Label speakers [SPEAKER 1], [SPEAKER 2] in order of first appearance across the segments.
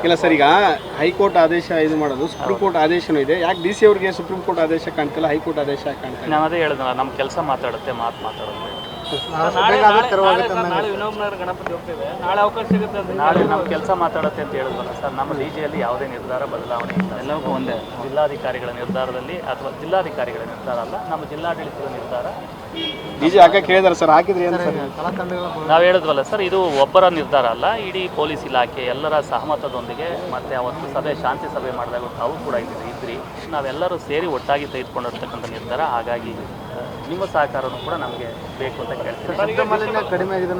[SPEAKER 1] ಇಲ್ಲ ಸರ್, ಈಗ ಹೈಕೋರ್ಟ್ ಆದೇಶ ಇದು ಮಾಡೋದು, ಸುಪ್ರೀಂ ಕೋರ್ಟ್ ಆದೇಶನೂ ಇದೆ. ಯಾಕೆ ಡಿ ಸಿ ಅವರಿಗೆ ಸುಪ್ರೀಂ ಕೋರ್ಟ್ ಆದೇಶ ಕಾಣ್ತಿಲ್ಲ, ಹೈಕೋರ್ಟ್ ಆದೇಶ ಕಾಣ್ತಿಲ್ಲ?
[SPEAKER 2] ನಾನು ಅದೇ ಹೇಳಿದ್ನಲ್ಲ, ನಮ್ಮ ಕೆಲಸ ಮಾತಾಡುತ್ತೆ, ಮಾತಾಡುತ್ತೆ.
[SPEAKER 3] ನಾಳೆ ವಿನೋಬ್ನಗರ ಗಣಪತಿ ಹೋಗ್ತಿದೆ, ನಾಳೆ ಅವಕಾಶ ಸಿಗುತ್ತೆ.
[SPEAKER 2] ನಾಳೆ ನಮ್ಮ ಕೆಲಸ ಮಾತಾಡುತ್ತೆ ಅಂತ ಹೇಳಿದ್ವಲ್ಲ ಸರ್. ನಮ್ಮ ಡಿಜಿಯಲ್ಲಿ ಯಾವುದೇ ನಿರ್ಧಾರ ಬದಲಾವಣೆ ಇಲ್ಲ, ಎಲ್ಲವೂ ಒಂದೇ. ಜಿಲ್ಲಾಧಿಕಾರಿಗಳ ನಿರ್ಧಾರದಲ್ಲಿ ಅಥವಾ ಜಿಲ್ಲಾಧಿಕಾರಿಗಳ ನಿರ್ಧಾರ ಅಲ್ಲ, ನಮ್ಮ ಜಿಲ್ಲಾಡಳಿತದ ನಿರ್ಧಾರ.
[SPEAKER 1] ಡಿಜಿ ಹಾಕಕ್ಕೆ ಹೇಳಿದಾರೆ ಸರ್, ಹಾಕಿದ್ರಿ ಅಂತ ಸರ್?
[SPEAKER 2] ನಾವು ಹೇಳಿದ್ವಲ್ಲ ಸರ್, ಇದು ಒಬ್ಬರ ನಿರ್ಧಾರ ಅಲ್ಲ, ಇಡೀ ಪೊಲೀಸ್ ಇಲಾಖೆ ಎಲ್ಲರ ಸಹಮತದೊಂದಿಗೆ. ಮತ್ತು ಅವತ್ತು ಶಾಂತಿ ಸಭೆ ಮಾಡಿದಾಗ ತಾವು ಕೂಡ ಇದ್ರಿ, ನಾವೆಲ್ಲರೂ ಸೇರಿ ಒಟ್ಟಾಗಿ ತೆಗೆದುಕೊಂಡಿರ್ತಕ್ಕಂಥ ನಿರ್ಧಾರ. ಹಾಗಾಗಿ ನಿಮ್ಮ ಸಹಕಾರನೂ ಕೂಡ ನಮಗೆ ಬೇಕು ಅಂತ ಕೇಳ್ತೀವಿ.
[SPEAKER 1] ಕಡಿಮೆ ಆಗಿದೆ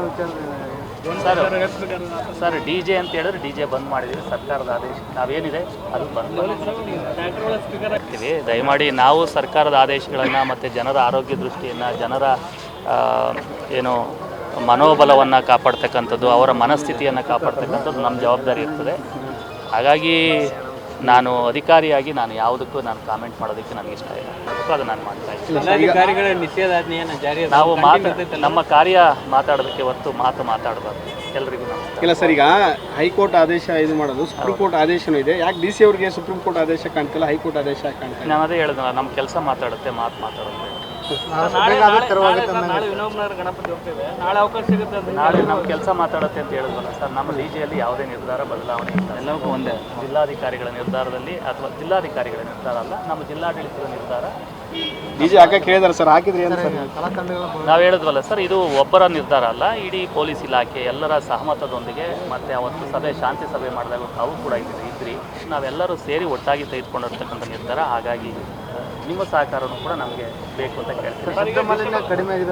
[SPEAKER 2] ಸರ್, ಡಿ ಜೆ ಅಂತ ಹೇಳಿದ್ರೆ ಡಿ ಜೆ ಬಂದ್ ಮಾಡಿದ್ದೀವಿ. ಸರ್ಕಾರದ ಆದೇಶ ನಾವೇನಿದೆ ಅದು ಬಂದ್ ಮಾಡ್ತೀವಿ. ದಯಮಾಡಿ ನಾವು ಸರ್ಕಾರದ ಆದೇಶಗಳನ್ನು ಮತ್ತು ಜನರ ಆರೋಗ್ಯ ದೃಷ್ಟಿಯನ್ನು, ಜನರ ಏನು ಮನೋಬಲವನ್ನು ಕಾಪಾಡ್ತಕ್ಕಂಥದ್ದು, ಅವರ ಮನಸ್ಥಿತಿಯನ್ನು ಕಾಪಾಡ್ತಕ್ಕಂಥದ್ದು ನಮ್ಮ ಜವಾಬ್ದಾರಿ ಇರ್ತದೆ. ಹಾಗಾಗಿ ನಾನು ಅಧಿಕಾರಿಯಾಗಿ ನಾನು ಯಾವುದಕ್ಕೂ ಕಾಮೆಂಟ್ ಮಾಡೋದಕ್ಕೆ ನನಗೆ ಇಷ್ಟ ಇಲ್ಲ, ಅದು ನಾನು ಮಾಡ್ತಾ ಇದ್ದೀನಿ. ನಾವು ನಮ್ಮ ಕಾರ್ಯ ಮಾತಾಡೋದಕ್ಕೆ ಹೊರತು ಮಾತಾಡಬಾರ್ದು. ಎಲ್ರಿಗೂ
[SPEAKER 1] ಇಲ್ಲ ಸರ್, ಈಗ ಹೈಕೋರ್ಟ್ ಆದೇಶ ಇದು ಮಾಡೋದು, ಸುಪ್ರೀಂ ಕೋರ್ಟ್ ಆದೇಶನೂ ಇದೆ. ಯಾಕೆ ಡಿ ಸಿ ಅವರಿಗೆ ಸುಪ್ರೀಂ ಕೋರ್ಟ್ ಆದೇಶ ಕಾಣ್ತಿಲ್ಲ, ಹೈಕೋರ್ಟ್ ಆದೇಶ ಕಾಣ್ತಿಲ್ಲ?
[SPEAKER 2] ನಾನು ಅದೇ ಹೇಳಿದ್ನಲ್ಲ, ನಮ್ಮ ಕೆಲಸ ಮಾತಾಡುತ್ತೆ, ಮಾತಾಡುತ್ತೆ.
[SPEAKER 3] ನಾಳೆ ವಿನೋಬ್ನಗರ ಗಣಪತಿ ಹೋಗ್ತಿದೆ, ನಾಳೆ ಅವಕಾಶ ಸಿಗುತ್ತೆ.
[SPEAKER 2] ನಾಳೆ ನಮ್ಮ ಕೆಲಸ ಮಾತಾಡುತ್ತೆ ಅಂತ ಹೇಳಿದ್ವಲ್ಲ ಸರ್. ನಮ್ಮ ಡಿಜಿಯಲ್ಲಿ ಯಾವುದೇ ನಿರ್ಧಾರ ಬದಲಾವಣೆ ಇಲ್ಲ, ಎಲ್ಲವೂ ಒಂದೇ. ಜಿಲ್ಲಾಧಿಕಾರಿಗಳ ನಿರ್ಧಾರದಲ್ಲಿ ಅಥವಾ ಜಿಲ್ಲಾಧಿಕಾರಿಗಳ ನಿರ್ಧಾರ ಅಲ್ಲ, ನಮ್ಮ ಜಿಲ್ಲಾಡಳಿತದ ನಿರ್ಧಾರ.
[SPEAKER 1] ಡಿಜಿ ಹಾಕಕ್ಕೆ ಹೇಳಿದಾರೆ ಸರ್, ಹಾಕಿದ್ರಿ ಅಂತ ಸರ್?
[SPEAKER 2] ನಾವು ಹೇಳಿದ್ವಲ್ಲ ಸರ್, ಇದು ಒಬ್ಬರ ನಿರ್ಧಾರ ಅಲ್ಲ, ಇಡೀ ಪೊಲೀಸ್ ಇಲಾಖೆ ಎಲ್ಲರ ಸಹಮತದೊಂದಿಗೆ. ಮತ್ತು ಅವತ್ತು ಶಾಂತಿ ಸಭೆ ಮಾಡಿದಾಗ ತಾವು ಕೂಡ ಇದ್ರಿ, ನಾವೆಲ್ಲರೂ ಸೇರಿ ಒಟ್ಟಾಗಿ ತೆಗೆದುಕೊಂಡಿರ್ತಕ್ಕಂಥ ನಿರ್ಧಾರ. ಹಾಗಾಗಿ ನಿಮ್ಮ ಸಹಕಾರನೂ ಕೂಡ ನಮಗೆ ಬೇಕು ಅಂತ ಕೇಳ್ತೀವಿ.
[SPEAKER 1] ಕಡಿಮೆ ಆಗಿದೆ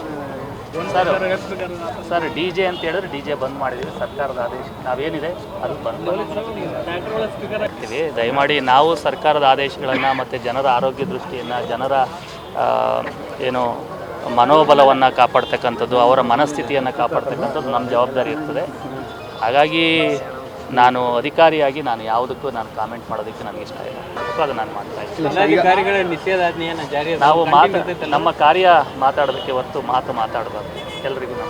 [SPEAKER 2] ಸರ್, ಡಿ ಜೆ ಅಂತ ಹೇಳಿದ್ರೆ ಡಿ ಜೆ ಬಂದ್ ಮಾಡಿದ್ದೀವಿ. ಸರ್ಕಾರದ ಆದೇಶ ನಾವೇನಿದೆ ಅದು ಬಂದ್ ಮಾಡ್ತೀವಿ. ದಯಮಾಡಿ ನಾವು ಸರ್ಕಾರದ ಆದೇಶಗಳನ್ನು ಮತ್ತು ಜನರ ಆರೋಗ್ಯ ದೃಷ್ಟಿಯನ್ನು, ಜನರ ಏನು ಮನೋಬಲವನ್ನು ಕಾಪಾಡ್ತಕ್ಕಂಥದ್ದು, ಅವರ ಮನಸ್ಥಿತಿಯನ್ನು ಕಾಪಾಡ್ತಕ್ಕಂಥದ್ದು ನಮ್ಮ ಜವಾಬ್ದಾರಿ ಇರ್ತದೆ. ಹಾಗಾಗಿ ನಾನು ಅಧಿಕಾರಿಯಾಗಿ ನಾನು ಯಾವುದಕ್ಕೂ ಕಾಮೆಂಟ್ ಮಾಡೋದಕ್ಕೆ ನನಗೆ ಇಷ್ಟ ಇಲ್ಲ, ಅದು ನಾನು ಮಾಡ್ತಾ ಇದ್ದೀನಿ. ನಾವು ನಮ್ಮ ಕಾರ್ಯ ಮಾತಾಡೋದಕ್ಕೆ ಹೊರತು ಮಾತಾಡಬಾರ್ದು. ಎಲ್ರಿಗೂ